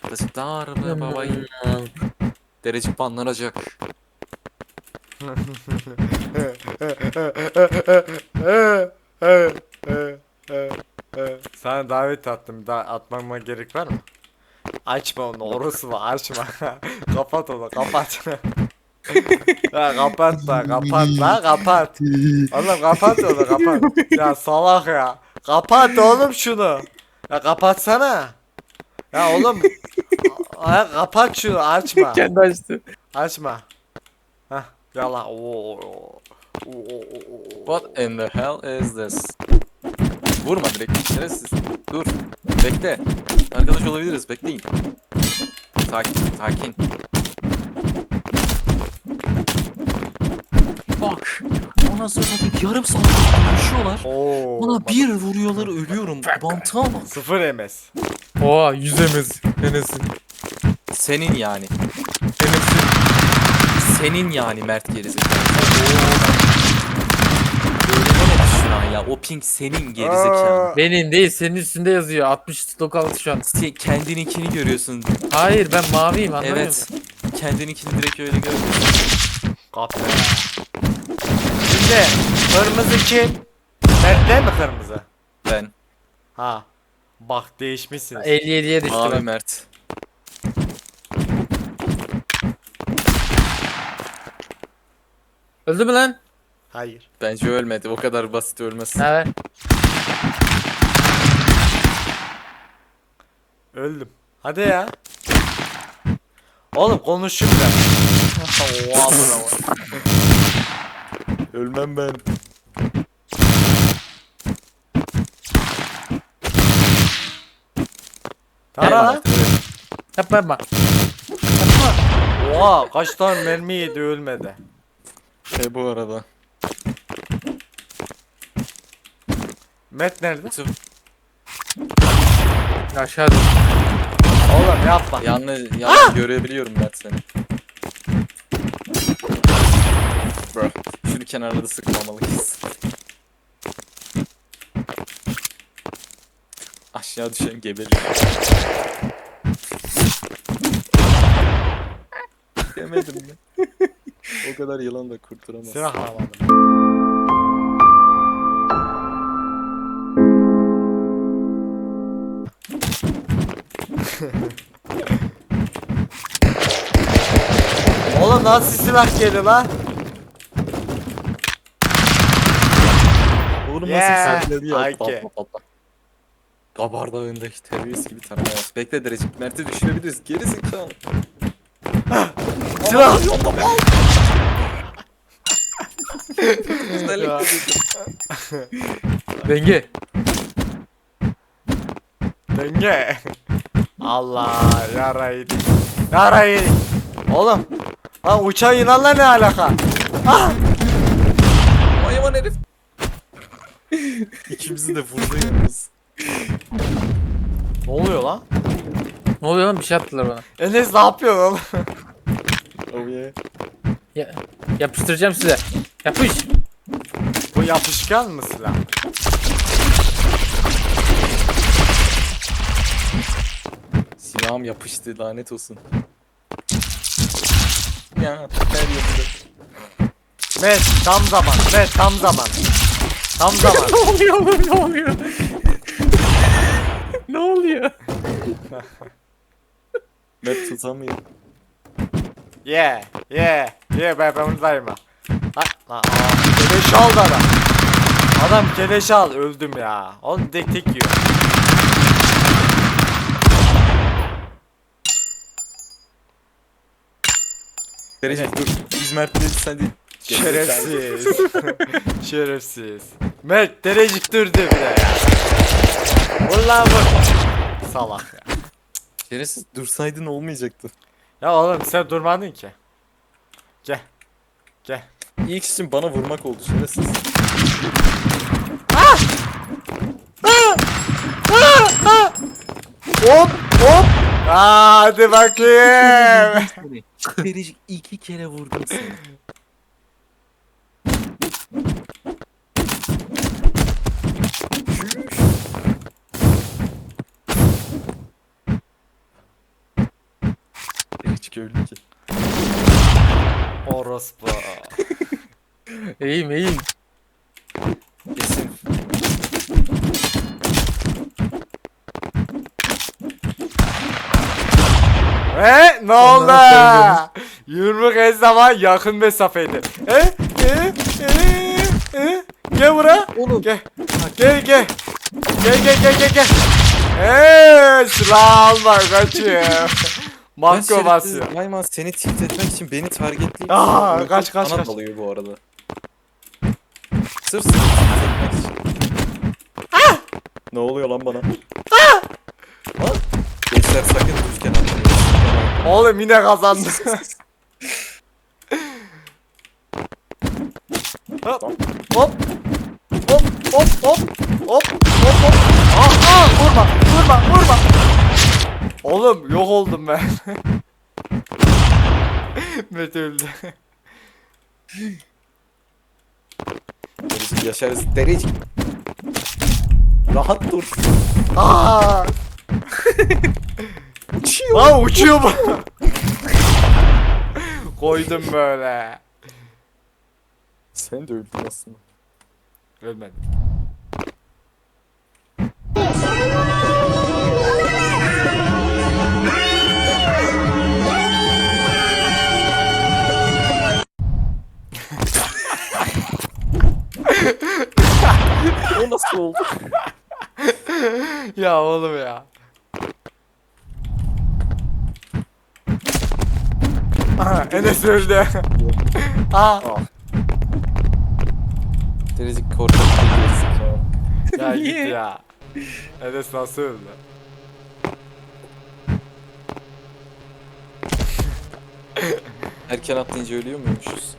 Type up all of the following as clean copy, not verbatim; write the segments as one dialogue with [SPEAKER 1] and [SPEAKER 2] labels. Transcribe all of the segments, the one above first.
[SPEAKER 1] Darbe babayı. Derecik banlanacak.
[SPEAKER 2] Sana davet attım. Atmama gerek var mı? Açma onu, orası var, açma. Kapat onu, kapat. Ya kapat da, kapat la, kapat. Oğlum kapat onu, kapat. Ya salak ya. Kapat oğlum şunu. Ya kapatsana. Ya oğlum. Ya kapat şunu, açma.
[SPEAKER 3] Kendi açtı.
[SPEAKER 2] Açma. Hah, yala. Oo.
[SPEAKER 1] What in the hell is this? Vurma direkt. Şerefsiz. Dur. Bekle. Arkadaş olabiliriz. Bekleyin. Sakin. Sakin. Bak. Ondan sonra yarım saat konuşuyorlar.
[SPEAKER 2] Oo.
[SPEAKER 1] Bana bir vuruyorlar ölüyorum. Mantığa bak.
[SPEAKER 2] Sıfır MS.
[SPEAKER 3] Oha yüzemez. Enes'in.
[SPEAKER 1] Senin yani.
[SPEAKER 3] Enes'in.
[SPEAKER 1] Senin yani Mert gerizekalı. Öğrenemedi şu an ya. O ping senin gerizekalı.
[SPEAKER 3] Benim değil senin üstünde yazıyor. 60 lokaltı şu an.
[SPEAKER 1] Sen kendininkini görüyorsun.
[SPEAKER 3] Hayır ben maviyim anlamıyor
[SPEAKER 1] Evet.
[SPEAKER 3] musun?
[SPEAKER 1] Kendininkini direkt öyle görüyorsun.
[SPEAKER 2] Kapı. Şimdi kırmızı kim? Mert'le mi kırmızı?
[SPEAKER 1] Ben.
[SPEAKER 2] Ha. Bak değişmişsiniz.
[SPEAKER 3] 57'ye düştü
[SPEAKER 1] Abi
[SPEAKER 3] bak.
[SPEAKER 1] Mert.
[SPEAKER 3] Öldü mü lan?
[SPEAKER 2] Hayır.
[SPEAKER 1] Bence ölmedi. O kadar basit ölmez.
[SPEAKER 3] Ne haber?
[SPEAKER 2] Öldüm. Hadi ya. Oğlum konuşun da. Oha bravo.
[SPEAKER 1] Ölmem ben.
[SPEAKER 2] Tara lan.
[SPEAKER 3] Yapma yapma.
[SPEAKER 2] Oha kaç tane mermi yedi ölmedi.
[SPEAKER 1] Bu arada.
[SPEAKER 2] Mert nerede?
[SPEAKER 3] Aşağı dur.
[SPEAKER 2] Oğlum yapma.
[SPEAKER 1] Yalnız görebiliyorum Mert seni. Bro. Şunu kenarda da sıkmamalıyız. Aşağı düşen gebeliyor. Demedim mi? O kadar yılan da kurturamaz.
[SPEAKER 2] Silah alamadım. Oğlum nasıl silah geldi lan?
[SPEAKER 1] Oğlum
[SPEAKER 2] Yeah,
[SPEAKER 1] nasıl sakladı ya?
[SPEAKER 2] Ayke.
[SPEAKER 1] Kabar Dağı'ndaki terörist gibi tanımamaz. Bekle Derecik. Mert'i düşürebiliriz. Geri zekalı.
[SPEAKER 2] Silah.
[SPEAKER 1] Özellikle
[SPEAKER 2] Ya.
[SPEAKER 3] Denge.
[SPEAKER 2] Denge. Allah yarayı. Yarayı. Oğlum. Lan uçan yılanla ne alaka? Ah!
[SPEAKER 1] Hayvan herif. İkimizi de vurdu yalnız.
[SPEAKER 2] Ne oluyor lan?
[SPEAKER 3] Ne oluyor lan bir şey yaptılar bana.
[SPEAKER 2] Enes ne yapıyorsun oğlum?
[SPEAKER 1] Oh yeah.
[SPEAKER 3] Ya, yapıştıracağım size. Yapış.
[SPEAKER 2] Bu yapışkan mı silah?
[SPEAKER 1] Silahım yapıştı lanet olsun. Ya her yerinde.
[SPEAKER 2] Met tam zaman. Met tam zaman. Tam zaman.
[SPEAKER 3] Ne oluyor oğlum ne oluyor? Ne oluyor?
[SPEAKER 1] Mert tutamıyor.
[SPEAKER 2] Yeah. Yeah. Yeah ben buradayım ha. Lan keleş aldı adam. Adam keleş al öldüm ya. Oğlum tek yiyor.
[SPEAKER 1] Derecik dur. Biz Mert'le sen değil.
[SPEAKER 2] Şerefsiz. Şerefsiz. Mert derecik durdu bir de ya. Vur lan vur. Salak ya.
[SPEAKER 1] Şerefsiz dursaydın olmayacaktı.
[SPEAKER 2] Ya oğlum sen durmadın ki. Gel. Gel.
[SPEAKER 1] İlk için bana vurmak oldu şerefsiz.
[SPEAKER 2] Hop hop. Hadi bakayım.
[SPEAKER 1] Derecik 2 kere vurdum seni. köylü ki.
[SPEAKER 2] Orospu.
[SPEAKER 3] İyiyim.
[SPEAKER 1] Kesin.
[SPEAKER 2] Ne oldu?
[SPEAKER 3] Ondan
[SPEAKER 2] Yumruk her zaman yakın mesafeydi. Gel buraya.
[SPEAKER 1] Oğlum.
[SPEAKER 2] Gel. Gel. Gel. Silah alma kaçıyor. Marco basıyor.
[SPEAKER 1] Mayman seni tilt etmek için beni targetleyip
[SPEAKER 2] Kaç.
[SPEAKER 1] sana dalıyor bu arada. Sırf seni tilt etmek için. Ne oluyor lan bana? Lan. Gençler sakın düzken atmayın.
[SPEAKER 2] Oğlum yine kazandı. Hop. Hop. Vurma. Oğlum yok oldum ben. Mete öldü.
[SPEAKER 1] Derece yaşarız. Derece. Rahat dur. Uçuyor.
[SPEAKER 2] Lan uçuyor bu. Koydum böyle.
[SPEAKER 1] Sen de öldün aslında.
[SPEAKER 2] Ölmedim.
[SPEAKER 1] O nasıl oldu?
[SPEAKER 2] Ya oğlum ya. Aha, Enes öldü. Aa.
[SPEAKER 1] Derece korkak bir
[SPEAKER 2] Ya git
[SPEAKER 3] Niye?
[SPEAKER 2] ya. Enes nasıl öldü?
[SPEAKER 1] Erken atlayınca ölüyor muymuşuz?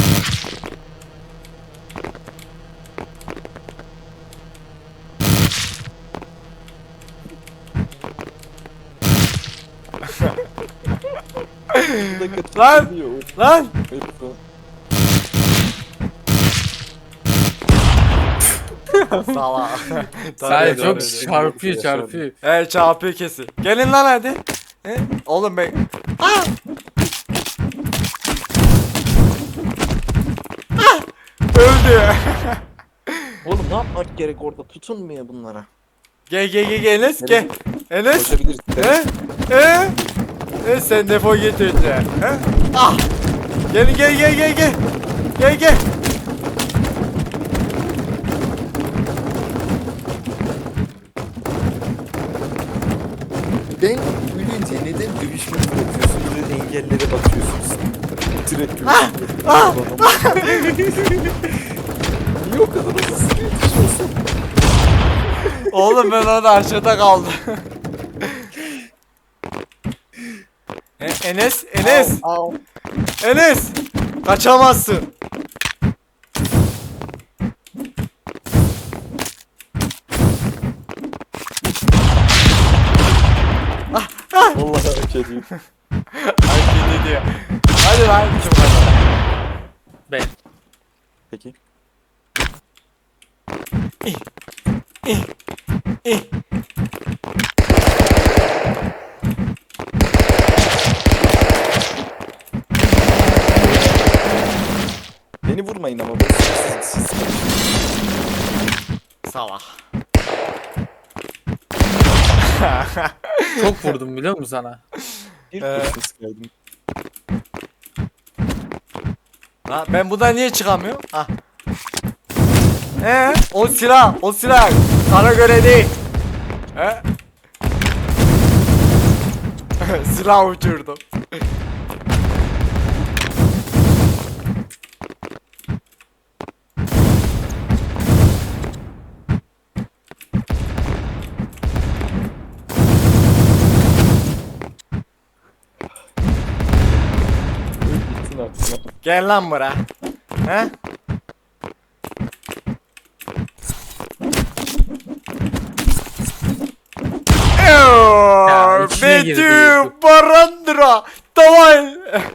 [SPEAKER 2] Lan! Lan! Sala.
[SPEAKER 3] Sadece çok
[SPEAKER 1] Yaşar.
[SPEAKER 3] çarpıyor.
[SPEAKER 2] Evet çarpıyor kesin. Gelin lan hadi. Oğlum ben. Öldü.
[SPEAKER 1] Oğlum ne yapmak gerek orada? Tutunmuyor bunlara.
[SPEAKER 2] Gel Enes gel. Enes.
[SPEAKER 1] Koşabiliriz.
[SPEAKER 2] Sen defol git önce. Ah. Gel. Gel.
[SPEAKER 1] Ben ölünce neden dövüşmeyi bırakıyorsunuz ve engellere bakıyorsunuz? Direkt Niye o kadar hızlı yetişiyorsun?
[SPEAKER 2] Oğlum ben orada aşağıda kaldım. Enes.
[SPEAKER 1] Au.
[SPEAKER 2] Enes. Kaçamazsın.
[SPEAKER 1] Vallahi hak ediyor.
[SPEAKER 2] Hareket ediyor. Hadi lan kim kazandı?
[SPEAKER 3] Ben.
[SPEAKER 1] Peki. Beni vurmayın ama. Siz.
[SPEAKER 2] Salak.
[SPEAKER 3] Çok vurdum biliyor musun sana?
[SPEAKER 1] Bir kurşun sıkaydım.
[SPEAKER 2] Lan ben buradan niye çıkamıyorum? Ah. O silah. Sana göre değil. Silah uçurdum.
[SPEAKER 1] Gitsin artık.
[SPEAKER 2] Gel lan buraya. He?
[SPEAKER 3] içine girdi.
[SPEAKER 2] Betü Barandra. Давай.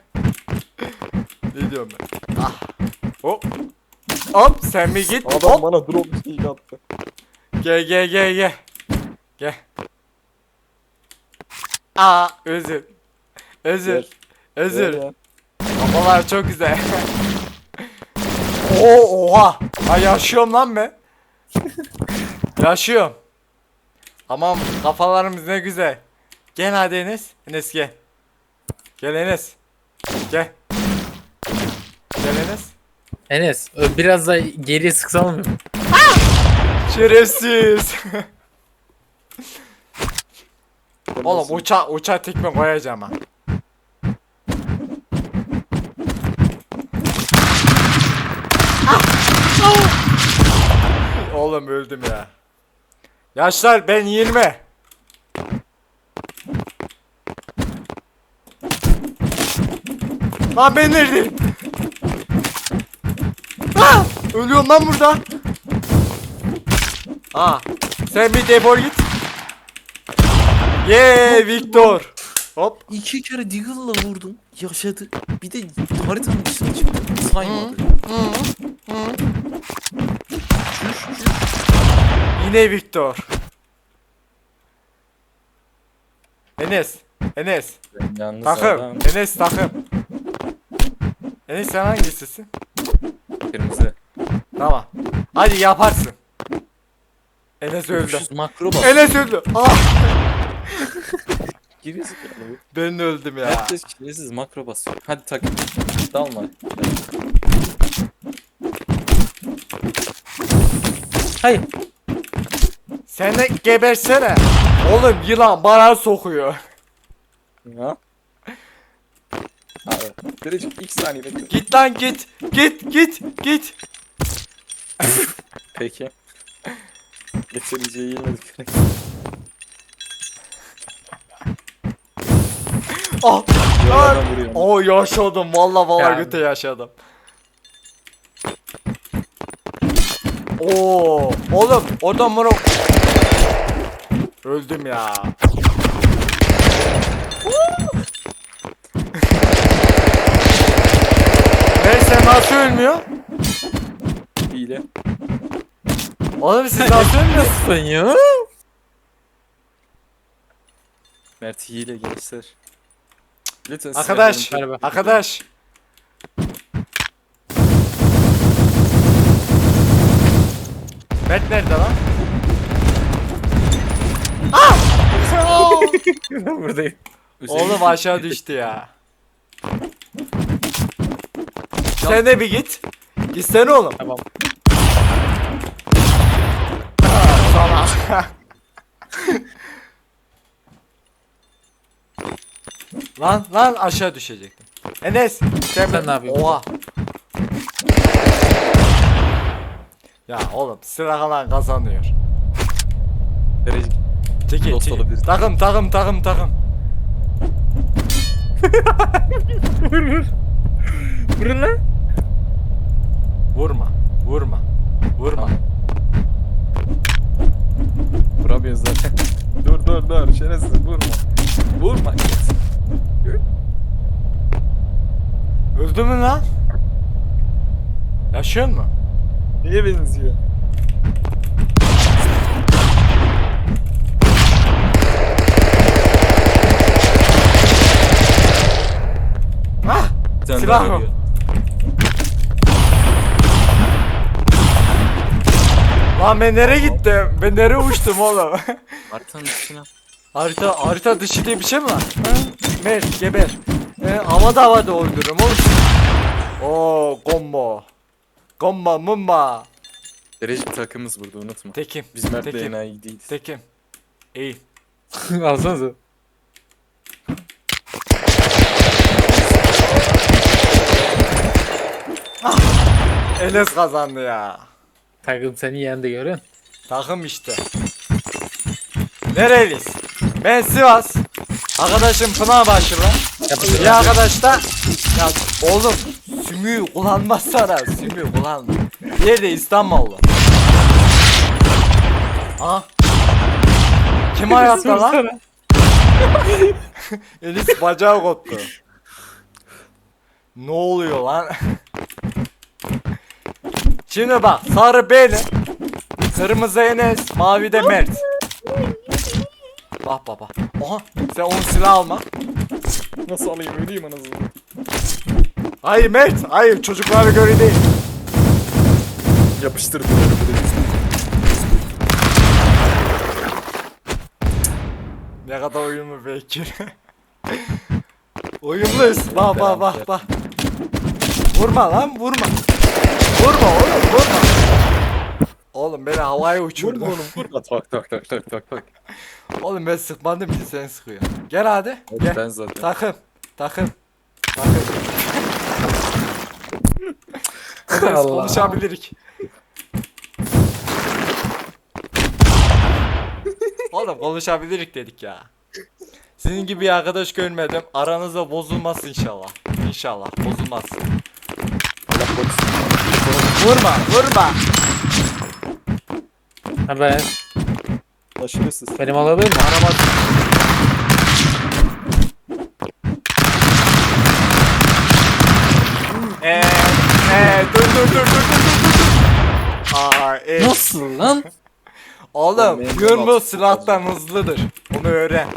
[SPEAKER 2] Ne diyorum ben? Ah. Hop. Hop sen mi git?
[SPEAKER 1] Adam
[SPEAKER 2] Hop.
[SPEAKER 1] bana drop bir şey attı.
[SPEAKER 2] Gel. Gel. Aa özür.
[SPEAKER 1] Gel.
[SPEAKER 2] Özür. Kafalar çok güzel. Oha. Ha yaşıyorum lan ben. Yaşıyorum. Aman kafalarımız ne güzel. Gel hadi Enes. Enes gel. Gel Enes. Gel. Gel Enes.
[SPEAKER 3] Enes biraz da geriye sıksan mı?
[SPEAKER 2] Şerefsiz. Oğlum uçağa tekme koyacağım ha. Oğlum öldüm ya. Yaşlar ben 20. Lan ben neredeyim? Ölüyorum lan burada. Sen bir defol git. Victor. Hop.
[SPEAKER 1] 2 kere Deagle'la vurdum. Yaşadı. Bir de haritanın dışına çıktı. Saymadı.
[SPEAKER 2] Yine Victor. Enes.
[SPEAKER 1] Ben yalnız
[SPEAKER 2] Takım.
[SPEAKER 1] adam.
[SPEAKER 2] Enes takım. Enes sen hangisisin?
[SPEAKER 1] Kırmızı.
[SPEAKER 2] Tamam. Hadi yaparsın. Enes öldü.
[SPEAKER 1] Öpüşüz makro bas.
[SPEAKER 2] Enes öldü.
[SPEAKER 1] Giriyorsun.
[SPEAKER 2] Ben öldüm ya.
[SPEAKER 1] Herkes şerefsiz makro basıyor. Hadi takım. Dalma.
[SPEAKER 3] Hayır.
[SPEAKER 2] Sen de gebersene. Oğlum yılan bana sokuyor.
[SPEAKER 1] Ya. Abi. Derecik ilk saniye bekle.
[SPEAKER 2] Git lan git. Git.
[SPEAKER 1] Peki. Geçemeyeceği yenilmedik.
[SPEAKER 2] Ah.
[SPEAKER 1] Yollardan vuruyor.
[SPEAKER 2] Yaşadım. Vallahi
[SPEAKER 3] Yani.
[SPEAKER 2] göte yaşadım. Oğlum oradan bana öldüm ya. Neyse nasıl ölmüyor?
[SPEAKER 1] Hile.
[SPEAKER 2] Oğlum siz nasıl ölmüyorsunuz?
[SPEAKER 3] Sen ya.
[SPEAKER 1] Mert hile gençler. Lütfen
[SPEAKER 2] Arkadaş,
[SPEAKER 1] sinirlerini takip edin.
[SPEAKER 2] arkadaş. Mert nerede lan?
[SPEAKER 3] Buradayım.
[SPEAKER 2] Oğlum aşağı düştü ya. Sen de bir git. Gitsene oğlum.
[SPEAKER 3] Tamam.
[SPEAKER 2] Sana. lan aşağı düşecektim. Enes
[SPEAKER 3] Sen ne yapıyorsun?
[SPEAKER 2] Oha. Ya oğlum sıra kalan kazanıyor.
[SPEAKER 1] Derecik.
[SPEAKER 2] Çekil
[SPEAKER 1] Dost
[SPEAKER 2] çekil.
[SPEAKER 1] olabiliriz.
[SPEAKER 2] Takım.
[SPEAKER 3] Vurun lan.
[SPEAKER 2] Vurma.
[SPEAKER 1] Vuramıyoruz zaten. dur. Şerefsiz vurma. Vurma.
[SPEAKER 2] Öldü mü lan? Yaşıyor mu?
[SPEAKER 1] Niye benziyor? Bir tane
[SPEAKER 2] Silah
[SPEAKER 1] daha
[SPEAKER 2] mı?
[SPEAKER 1] geliyor.
[SPEAKER 2] Lan ben nereye gittim? Ben nereye uçtum oğlum?
[SPEAKER 1] Haritanın dışına.
[SPEAKER 2] harita dışı diye bir şey mi var? Mert geber. Havada öldürürüm oğlum. Combo mumba.
[SPEAKER 1] Derecik takımız burada unutma.
[SPEAKER 2] Tekim.
[SPEAKER 1] Biz Mert'le
[SPEAKER 2] Tekim.
[SPEAKER 1] enayi değiliz.
[SPEAKER 2] Tekim. İyi.
[SPEAKER 3] Alsanıza.
[SPEAKER 2] Enes kazandı ya.
[SPEAKER 3] Takım seni yendi görün.
[SPEAKER 2] Takım işte. Nereliyiz? Ben Sivas. Arkadaşım Pınarbaşılı. Bir arkadaş da ya oğlum sümüğü kullanmazsana sümüğü kullanma. Diğeri de İstanbullu. Aha. Kim hayatta lan? Elis bacağı koptu. Ne oluyor lan? Şimdi bak sarı benim. Kırmızı Enes, mavi de Mert. Bak baba. Oha sen onun silah alma.
[SPEAKER 1] Nasıl alayım öleyim anasını.
[SPEAKER 2] Hayır Mert, hayır çocuklara göre değil.
[SPEAKER 1] Yapıştırdım.
[SPEAKER 2] Ne kadar uyumlu Bekir. Uyumluyuz. Bak bak bak bak. Vurma lan vurma. Vurma oğlum vurma. Oğlum beni havaya uçurdu.
[SPEAKER 1] Vurma oğlum vurma. Tak tak tak tak tak tak.
[SPEAKER 2] Oğlum ben sıkmadım ki sen sıkıyor. Gel hadi. Gel.
[SPEAKER 1] Ben zaten.
[SPEAKER 2] Takım. Takım. Takım. Hadi
[SPEAKER 3] Allah.
[SPEAKER 2] konuşabilirik. Oğlum konuşabilirik dedik ya. Sizin gibi bir arkadaş görmedim. Aranızda bozulmaz inşallah. İnşallah bozulmaz. Vurma, vurma.
[SPEAKER 3] Ha ben.
[SPEAKER 1] Aşırısız.
[SPEAKER 3] Benim alabilir mi?
[SPEAKER 2] Arama. Dur.
[SPEAKER 3] Nasıl lan?
[SPEAKER 2] Oğlum,
[SPEAKER 1] Benim
[SPEAKER 2] yumruk
[SPEAKER 1] kanal-
[SPEAKER 2] silahtan hızlıdır. Bunu öğren.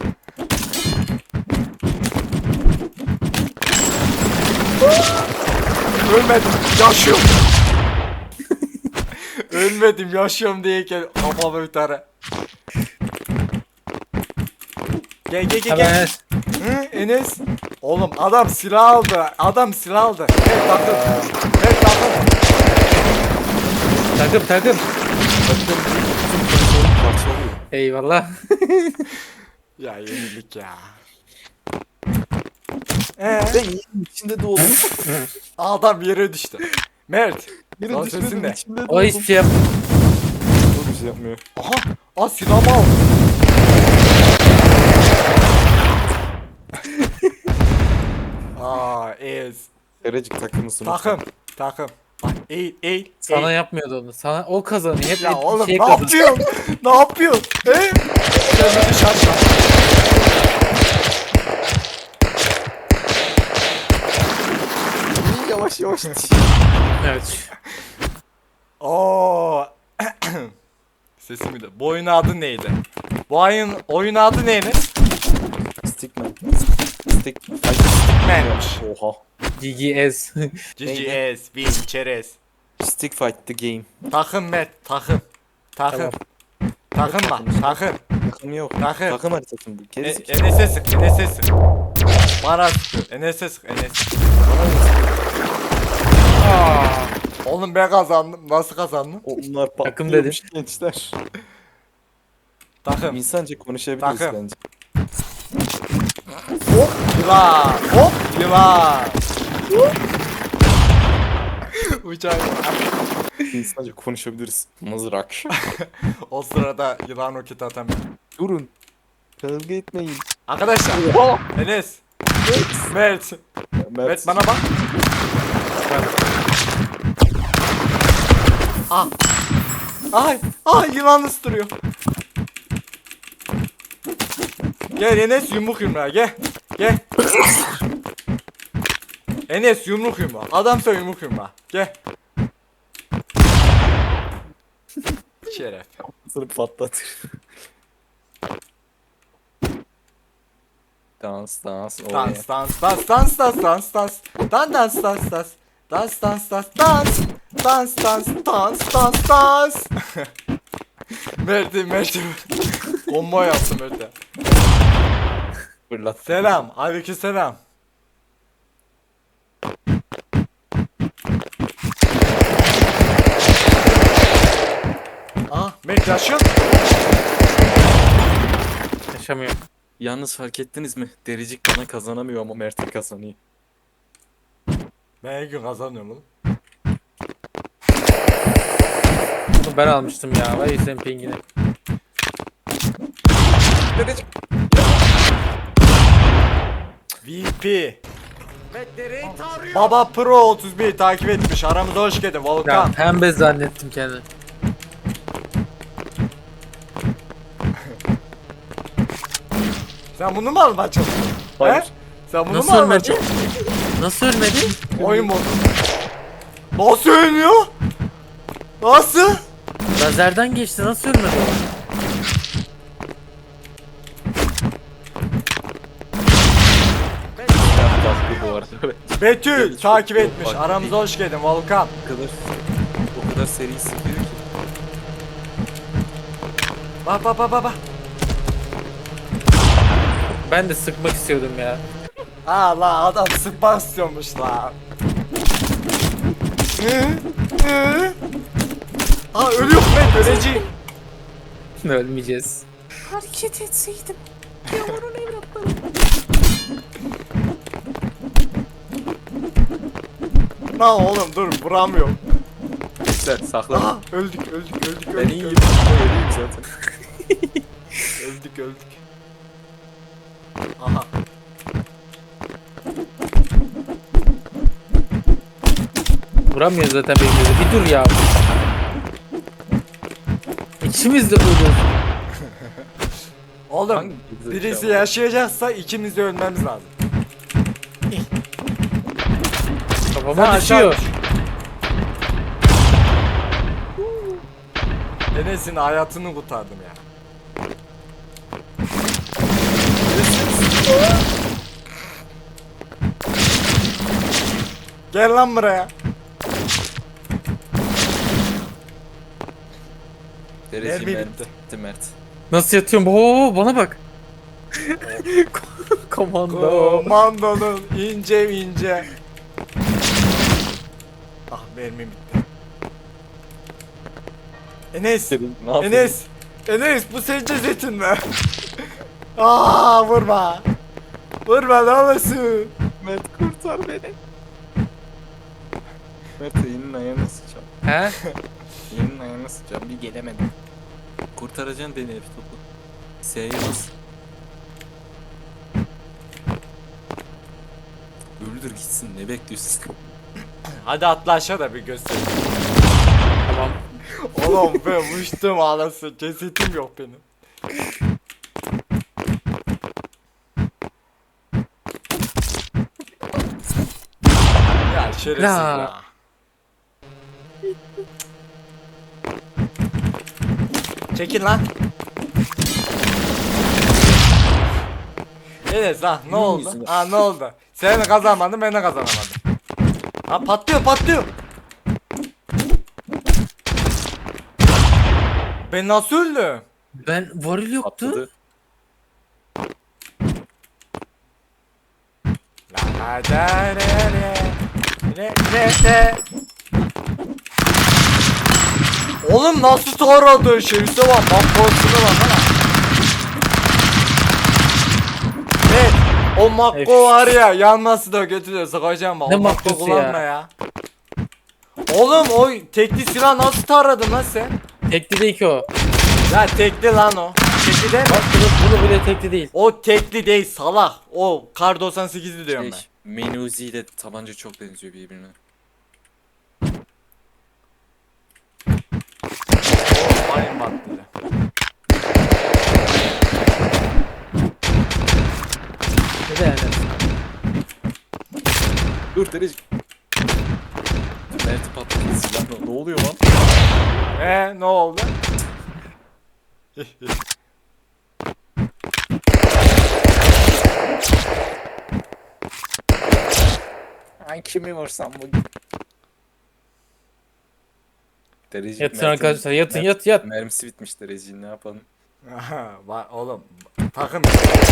[SPEAKER 2] Ölmedim, yaşıyorum. Ölmedim, yaşıyorum diyeyken kafamı bir tane. Gel.
[SPEAKER 3] Ha ben.
[SPEAKER 2] Hı, Enes. Oğlum adam silah aldı. Adam silah aldı. Evet takım. Evet takım.
[SPEAKER 3] Takım.
[SPEAKER 1] Parçalıyor.
[SPEAKER 3] Eyvallah.
[SPEAKER 2] Ya yenilik ya.
[SPEAKER 1] Ben yerin içinde doğdum.
[SPEAKER 2] Adam yere düştü. Mert.
[SPEAKER 1] Yerin
[SPEAKER 2] Lan sesin
[SPEAKER 1] düşmedim
[SPEAKER 2] ne?
[SPEAKER 1] içinde
[SPEAKER 3] O hiçbir şey yapmıyor.
[SPEAKER 1] Çok bir şey yapmıyor.
[SPEAKER 2] Aha. Silahımı al. Ez.
[SPEAKER 1] Erecik takımı sınıf.
[SPEAKER 2] Takım. Bak eğil.
[SPEAKER 3] Sana yapmıyordu onu. Sana o kazanıyor. Hep
[SPEAKER 2] Ya
[SPEAKER 3] bir
[SPEAKER 2] oğlum
[SPEAKER 3] şey
[SPEAKER 2] ne
[SPEAKER 3] kazanıyor.
[SPEAKER 2] yapıyorsun? Ne yapıyorsun? He? Sen bizi şaşma.
[SPEAKER 1] Yavaş yavaş.
[SPEAKER 3] Evet.
[SPEAKER 2] Oo. Sesimi de. Bu oyunun adı neydi? Bu oyun adı neydi?
[SPEAKER 1] Stickman.
[SPEAKER 2] Stickman'miş.
[SPEAKER 1] Oha.
[SPEAKER 3] GGS.
[SPEAKER 2] GGS, Win, Çerez.
[SPEAKER 1] Stick fight the game.
[SPEAKER 2] Takım Mert, takım.
[SPEAKER 3] Tamam.
[SPEAKER 2] Takım bak, takım.
[SPEAKER 1] Takım yok.
[SPEAKER 2] Takım.
[SPEAKER 1] Takım haritası bu. Gerizekalı.
[SPEAKER 2] Enes'e sık. Bana sık. Enes'e sık, Enes. Oğlum ben kazandım. Nasıl kazandım?
[SPEAKER 1] Onlar
[SPEAKER 3] Takım
[SPEAKER 1] patlıyormuş gençler.
[SPEAKER 2] Takım.
[SPEAKER 1] İnsanca konuşabiliriz
[SPEAKER 2] Takım.
[SPEAKER 1] bence.
[SPEAKER 2] Hop yılan. Uçak.
[SPEAKER 1] İnsanca konuşabiliriz. Mızrak.
[SPEAKER 2] O sırada yılan roket atamıyor.
[SPEAKER 1] Durun. Kavga etmeyin.
[SPEAKER 2] Arkadaşlar. Enes. Mert. Mert bana bak. Ay yılan ısırıyor. Gel Enes yumruk yumruğa gel. Enes yumruk yumruğa. Adamsa yumruk yumruğa. Gel. Şeref.
[SPEAKER 1] Seni patlatır. Dans.
[SPEAKER 2] Dans. Mert. Bomba yaptım Mert'e.
[SPEAKER 1] Fırlat.
[SPEAKER 2] Selam. Aleykümselam. Mert yaşıyor.
[SPEAKER 3] Yaşamıyor.
[SPEAKER 1] Yalnız fark ettiniz mi? Dericik bana kazanamıyor ama Mert'e kazanıyor.
[SPEAKER 2] Ben her gün kazanıyorum oğlum.
[SPEAKER 3] Bunu ben almıştım ya. Vay senin pingine.
[SPEAKER 2] VP. Baba Pro 31 takip etmiş. Aramıza hoş geldin
[SPEAKER 3] Ya
[SPEAKER 2] Volkan.
[SPEAKER 3] pembe zannettim kendimi.
[SPEAKER 2] Sen bunu mu almaya çalışıyorsun?
[SPEAKER 1] Hayır.
[SPEAKER 2] He? Sen bunu
[SPEAKER 3] Nasıl
[SPEAKER 2] mu almaya
[SPEAKER 3] ölmedi?
[SPEAKER 2] çalışıyorsun?
[SPEAKER 3] Nasıl ölmedi?
[SPEAKER 2] Oyun modu. Nasıl ölmüyor? Nasıl?
[SPEAKER 3] Lazerden geçti. Nasıl ölmedi o?
[SPEAKER 1] Tatlı bu arada. Evet.
[SPEAKER 2] Betül
[SPEAKER 1] Çok-
[SPEAKER 2] takip
[SPEAKER 1] çok
[SPEAKER 2] etmiş.
[SPEAKER 1] farklı
[SPEAKER 2] Aramıza
[SPEAKER 1] değil.
[SPEAKER 2] hoş geldin Volkan.
[SPEAKER 1] O kadar seri sıkıyor ki.
[SPEAKER 2] Bak bak bak bak bak.
[SPEAKER 3] Ben de sıkmak istiyordum ya.
[SPEAKER 2] Aa la adam sıkmak istiyormuş la. Aa ölüyor ben öleceğim.
[SPEAKER 3] Ölmeyeceğiz.
[SPEAKER 4] Hareket etseydim. Yavrun evlatlarım.
[SPEAKER 2] Lan oğlum dur vuramıyorum.
[SPEAKER 1] Sen sakla.
[SPEAKER 2] Aa öldük öldük öldük
[SPEAKER 1] Ben
[SPEAKER 2] öldük
[SPEAKER 1] iyiyim.
[SPEAKER 2] öldük
[SPEAKER 1] Öleyim zaten.
[SPEAKER 2] öldük öldük. Aha.
[SPEAKER 3] Vuramıyor zaten birbirimize. Bir dur ya. İkimiz de ölüyoruz.
[SPEAKER 2] Oğlum
[SPEAKER 1] Hangi
[SPEAKER 2] birisi
[SPEAKER 1] zekalı?
[SPEAKER 2] yaşayacaksa ikimiz de ölmemiz lazım. Sen
[SPEAKER 3] Kafama
[SPEAKER 2] aşağı
[SPEAKER 3] düşüyor.
[SPEAKER 2] düş. Enes'in hayatını kurtardım ya. Gel lan buraya.
[SPEAKER 1] Derece
[SPEAKER 2] Mermi
[SPEAKER 1] Mert.
[SPEAKER 2] bitti.
[SPEAKER 1] Bitti Mert.
[SPEAKER 3] Nasıl yatıyorum? Oo, bana bak. Komando.
[SPEAKER 2] Komandonun ince ince. Ah mermim bitti. Enes.
[SPEAKER 1] Ne yapayım?
[SPEAKER 2] Enes. Enes bu senin cesetin mi? Aa vurma. Vurma ne olursun.
[SPEAKER 1] Mert kurtar beni. Mert elinin ayağına sıçacağım.
[SPEAKER 3] He?
[SPEAKER 1] Elinin ayağına sıçacağım. Bir gelemedim. Kurtaracaksın beni F topu. S'ye bas. Öldür gitsin, ne bekliyorsun?
[SPEAKER 2] Hadi atla aşağı da bir göster.
[SPEAKER 3] Tamam.
[SPEAKER 2] Oğlum ben uçtum ağlasın. Cesetim yok benim. Ya şerefsiz
[SPEAKER 3] La.
[SPEAKER 2] ya. Çekil lan. Enes ha ne oldu?
[SPEAKER 1] yüzüne.
[SPEAKER 2] Ha ne oldu? Sen de kazanmadın ben de kazanamadım. Ha patlıyor patlıyor. Ben nasıl öldüm?
[SPEAKER 3] Ben varil yoktu.
[SPEAKER 1] Atladı.
[SPEAKER 2] La da re re. Oğlum nasıl taradı şerifse bak bak korkusuna bak ha. Evet o makko var ya yanması da götürüyor sıkacağım bak.
[SPEAKER 3] Ne
[SPEAKER 2] O makko
[SPEAKER 3] makkosu
[SPEAKER 2] kullanma
[SPEAKER 3] ya?
[SPEAKER 2] ya. Oğlum o tekli silah nasıl taradın lan sen?
[SPEAKER 3] Tekli değil ki o.
[SPEAKER 2] Ya tekli lan o. Tekli değil mi?
[SPEAKER 3] Bak bunu bile tekli değil.
[SPEAKER 2] O tekli değil salak. O kar 98'li diyorum ben.
[SPEAKER 1] Menuzi ile tabanca çok benziyor birbirine.
[SPEAKER 2] Ayın battıydı.
[SPEAKER 3] Ne de yani?
[SPEAKER 1] Dur Derece. Mert'i patladı silahla. Ne oluyor lan?
[SPEAKER 2] Ne oldu?
[SPEAKER 1] Ay kimi vursam bugün? Derece
[SPEAKER 3] Yatın arkadaşlar yatın yat.
[SPEAKER 1] Mermisi bitmiş Derece'nin, ne yapalım?
[SPEAKER 2] Aha, oğlum takım.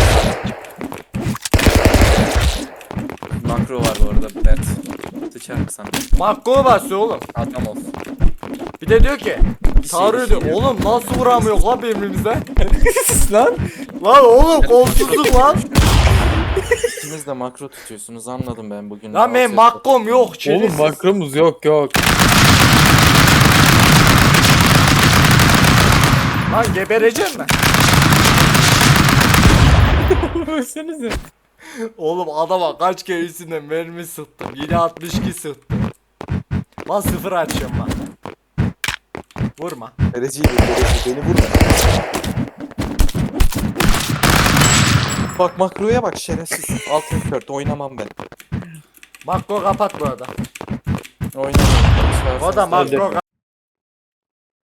[SPEAKER 1] Makro var bu arada Mert. Sıçar mı sana?
[SPEAKER 2] Makko basıyor oğlum.
[SPEAKER 1] Adam ol.
[SPEAKER 2] Bir de diyor ki
[SPEAKER 1] Bir
[SPEAKER 2] tarıyor
[SPEAKER 1] şey
[SPEAKER 2] diyor. Oğlum nasıl vuramıyor lan birbirimize?
[SPEAKER 3] Lan.
[SPEAKER 2] Lan oğlum kolsuzluk lan.
[SPEAKER 1] İkiniz de makro tutuyorsunuz, anladım ben bugün.
[SPEAKER 2] Lan benim makkom yok.
[SPEAKER 3] Oğlum
[SPEAKER 2] şerefsiz.
[SPEAKER 3] makromuz yok.
[SPEAKER 2] Lan gebereceğim ben.
[SPEAKER 3] Ölsenize.
[SPEAKER 2] Oğlum adama kaç kere üstüne mermi sıktım. Yine 62 sıktım. Lan sıfır açıyorum lan. Vurma.
[SPEAKER 1] Dereceyi de beni vurma. Bak makroya bak şerefsiz. Altın kört oynamam ben.
[SPEAKER 2] Makko kapat bu arada.
[SPEAKER 1] Oynamam.
[SPEAKER 2] O da makro